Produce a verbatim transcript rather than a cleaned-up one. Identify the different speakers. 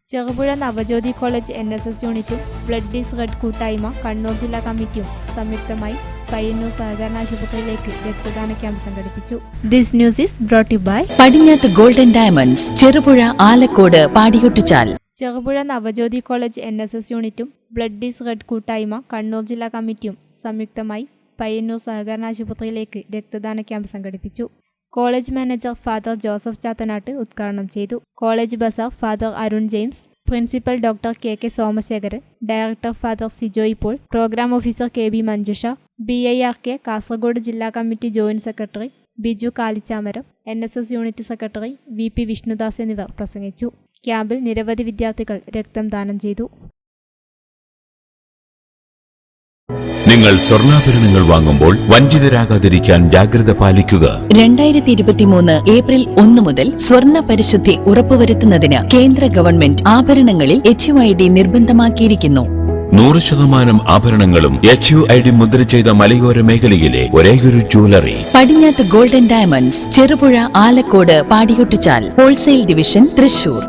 Speaker 1: Cherupuzha Navajyothi college N S S യൂണിറ്റും blood is red കൂട്ടായ്മ കണ്ണൂർ ജില്ലാ കമ്മിറ്റിയും സംയുക്തമായി പയ്യന്നൂർ സഹകരണ ആശുപത്രിയിലേക്ക് രക്തദാന ക്യാമ്പ് സംഘടിപ്പിച്ചു. This news is brought you by
Speaker 2: Padinjath golden diamonds, Cherupuzha, Alakode, Padiyotchal.
Speaker 1: Cherupuzha Navajyothi college N S S യൂണിറ്റും ബ്ലഡ് ഈസ് റെഡ് കൂട്ടായ്മ കണ്ണൂർ ജില്ലാ കമ്മിറ്റിയും സംയുക്തമായി പയ്യന്നൂർ സഹകരണ ആശുപത്രിയിലേക്ക് രക്തദാന ക്യാമ്പ് സംഘടിപ്പിച്ചു. College manager father Joseph Chathanatt ഉദ്ഘാടനം ചെയ്തു. College bursar father Arun James, principal doctor K K Somasekharan, director father Sijoy Paul, programme officer K B Manjusha, B I R K Kasaragod ജില്ലാ committee joint secretary Biju Kalichamaram, N S S unit secretary V P Vishnudas എന്നിവർ പ്രസംഗിച്ചു. ക്യാമ്പിൽ നിരവധി വിദ്യാർത്ഥികൾ രക്തം ദാനം ചെയ്തു.
Speaker 3: നിങ്ങൾ സ്വർണ്ണാഭരണങ്ങൾ വാങ്ങുമ്പോൾ വഞ്ചിതരാകാതിരിക്കാൻ ജാഗ്രത പാലിക്കുക.
Speaker 2: രണ്ടായിരത്തി ഇരുപത്തിമൂന്ന് ഏപ്രിൽ ഒന്ന് മുതൽ സ്വർണ്ണ പരിശുദ്ധി ഉറപ്പുവരുത്തുന്നതിന് കേന്ദ്ര ഗവൺമെന്റ് ആഭരണങ്ങളിൽ എച്ച് യു ഐ ഡി നിർബന്ധമാക്കിയിരിക്കുന്നു.
Speaker 3: നൂറ് ശതമാനം ആഭരണങ്ങളും എച്ച് യു ഐ ഡി മുദ്ര ചെയ്ത മലയോര മേഖലയിലെ ഒരേയൊരു jewellery
Speaker 2: Padinjath golden diamonds, Cherupuzha, Alakode, Padiyotchal. Wholesale division, Thrissur.